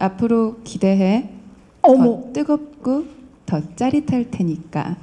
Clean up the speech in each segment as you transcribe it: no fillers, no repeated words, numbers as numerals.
앞으로 기대해. 어머. 더 뜨겁고 더 짜릿할 테니까.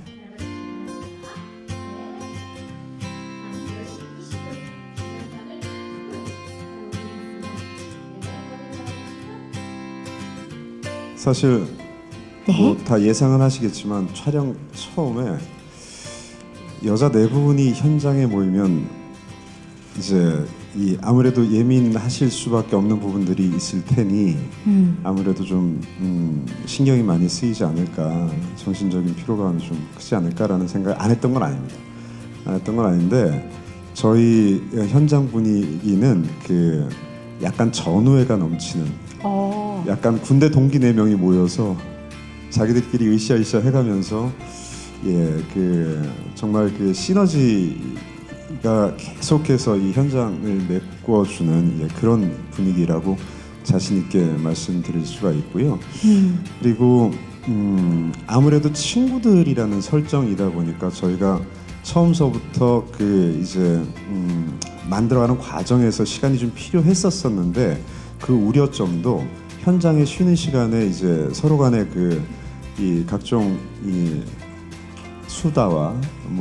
사실 네. 뭐 다 예상은 하시겠지만 촬영 처음에 여자 네 분이 현장에 모이면 이제 이 아무래도 예민하실 수밖에 없는 부분들이 있을 테니 아무래도 좀 신경이 많이 쓰이지 않을까, 정신적인 피로감이 좀 크지 않을까라는 생각을 안 했던 건 아닙니다. 안 했던 건 아닌데 저희 현장 분위기는 그 약간 전우애가 넘치는 약간 군대 동기 4명이 모여서 자기들끼리 으쌰으쌰 해가면서 정말 그 시너지가 계속해서 이 현장을 메꿔주는 그런 분위기라고 자신 있게 말씀드릴 수가 있고요. 그리고 아무래도 친구들이라는 설정이다 보니까 저희가 처음서부터 만들어가는 과정에서 시간이 좀 필요했었는데 그 우려점도 현장에 쉬는 시간에 이제 서로 간의 이 각종 이 수다와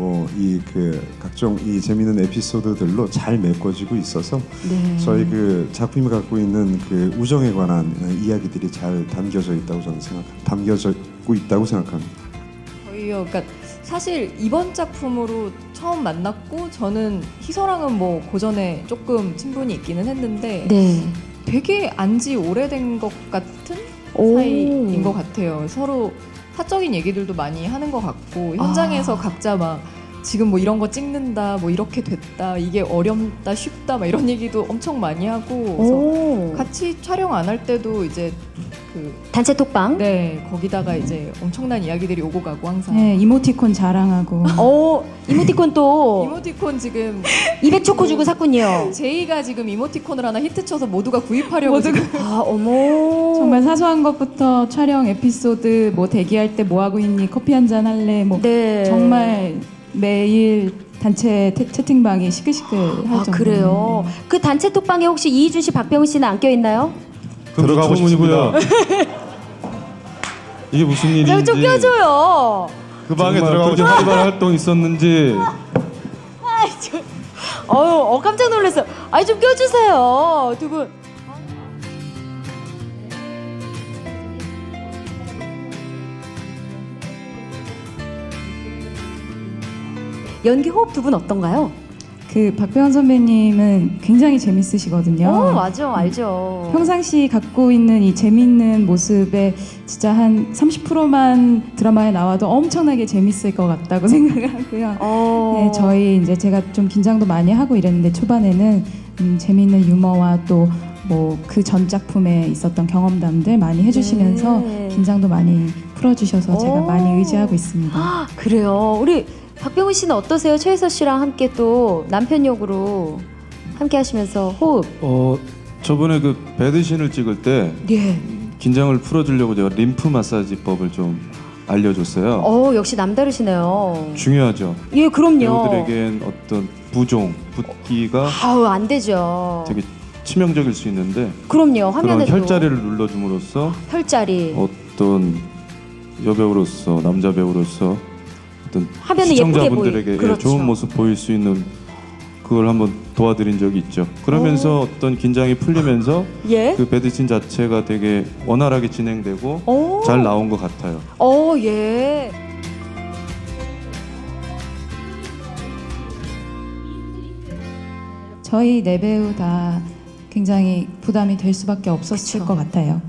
각종 이 재미있는 에피소드들로 잘 메꿔지고 있어서 저희 그 작품이 갖고 있는 그 우정에 관한 이야기들이 잘 담겨져 있다고 저는 담겨지고 있다고 생각합니다. 저희요, 그러니까 사실 이번 작품으로 처음 만났고 저는 희서랑은 뭐 고전에 조금 친분이 있기는 했는데 되게 안지 오래된 것 같은 사이인 것 같아요. 서로 사적인 얘기들도 많이 하는 것 같고 현장에서 각자 막 지금 뭐 이런 거 찍는다, 뭐 이렇게 됐다, 이게 어렵다, 쉽다, 막 이런 얘기도 엄청 많이 하고 그래서 같이 촬영 안 할 때도 이제 그 단체 톡방? 네, 거기다가 이제 엄청난 이야기들이 오고 가고 항상. 네, 이모티콘 자랑하고. 이모티콘 또 이모티콘 지금 200초코 주고 샀군요. 제이가 지금 이모티콘을 하나 히트쳐서 모두가 구입하려고 지금. 어머. 정말 사소한 것부터 촬영 에피소드, 뭐 대기할 때 뭐 하고 있니, 커피 한잔 할래, 뭐 정말 매일 단체 채팅방이 시끌시끌할 정도로. 그래요. 그 단체 톡방에 혹시 이희준 씨, 박병훈 씨는 안 껴 있나요? 들어가고 싶습니다. 이게 무슨 일인지. 좀 껴줘요. 그 방에 들어가고 싶은 활발한 활동 있었는지. 깜짝 놀랐어. 좀 껴주세요, 두 분. 연기 호흡 두 분 어떤가요? 그 박병원 선배님은 굉장히 재밌으시거든요. 맞아, 알죠. 평상시 갖고 있는 이 재밌는 모습에 진짜 한 30%만 드라마에 나와도 엄청나게 재밌을 것 같다고 생각을 하고요. 네, 저희 이제 제가 좀 긴장도 많이 하고 이랬는데 초반에는 재밌는 유머와 또 뭐 그 전 작품에 있었던 경험담들 많이 해주시면서 긴장도 많이 풀어주셔서 제가 많이 의지하고 있습니다. 그래요. 우리 박병훈 씨는 어떠세요? 최혜서 씨랑 함께 또 남편 역으로 함께 하시면서 호흡. 저번에 그 배드신을 찍을 때 긴장을 풀어주려고 제가 림프 마사지법을 좀 알려줬어요. 역시 남다르시네요. 중요하죠. 예, 그럼요. 배우들에겐 어떤 부종, 붓기가 안 되죠. 되게 치명적일 수 있는데 그럼요. 화면에도 그런 혈자리를 눌러줌으로써 혈자리 어떤 여배우로서, 남자 배우로서 어떤 화면에 시청자분들에게 예쁘게 좋은 모습 보일 수 있는 그걸 한번 도와드린 적이 있죠. 그러면서 어떤 긴장이 풀리면서 그 배드신 자체가 되게 원활하게 진행되고 잘 나온 것 같아요. 예. 저희 네 배우 다 굉장히 부담이 될 수밖에 없었을 것 같아요.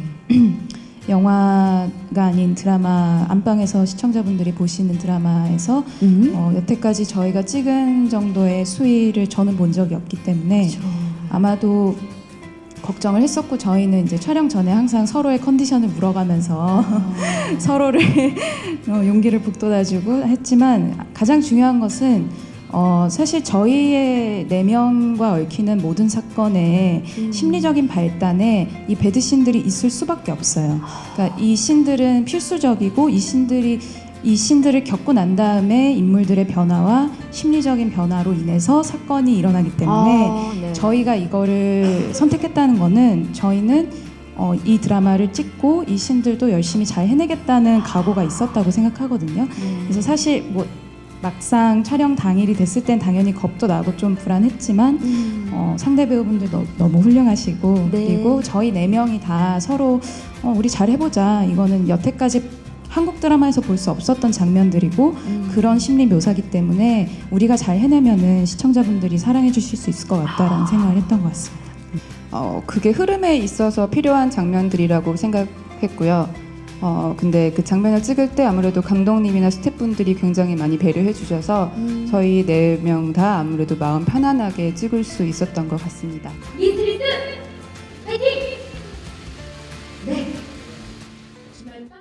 영화가 아닌 드라마, 안방에서 시청자분들이 보시는 드라마에서 여태까지 저희가 찍은 정도의 수위를 저는 본 적이 없기 때문에 아마도 걱정을 했었고, 저희는 이제 촬영 전에 항상 서로의 컨디션을 물어가면서 서로를 용기를 북돋아주고 했지만, 가장 중요한 것은 사실 저희의 4명과 얽히는 모든 사건의 심리적인 발단에 이 배드신들이 있을 수밖에 없어요. 그러니까 이 신들은 필수적이고, 이 신들을 겪고 난 다음에 인물들의 변화와 심리적인 변화로 인해서 사건이 일어나기 때문에 저희가 이거를 선택했다는 거는, 저희는 이 드라마를 찍고 이 신들도 열심히 잘 해내겠다는 각오가 있었다고 생각하거든요. 그래서 사실 뭐 막상 촬영 당일이 됐을 땐 당연히 겁도 나고 좀 불안했지만 상대 배우분들 너무 훌륭하시고 네. 그리고 저희 4명이 다 서로 우리 잘 해보자. 이거는 여태까지 한국 드라마에서 볼 수 없었던 장면들이고 그런 심리 묘사기 때문에 우리가 잘 해내면은 시청자분들이 사랑해 주실 수 있을 것 같다라는 생각을 했던 것 같습니다. 그게 흐름에 있어서 필요한 장면들이라고 생각했고요. 근데 그 장면을 찍을 때 아무래도 감독님이나 스태프분들이 굉장히 많이 배려해 주셔서 저희 4명 다 아무래도 마음 편안하게 찍을 수 있었던 것 같습니다. 이스트리트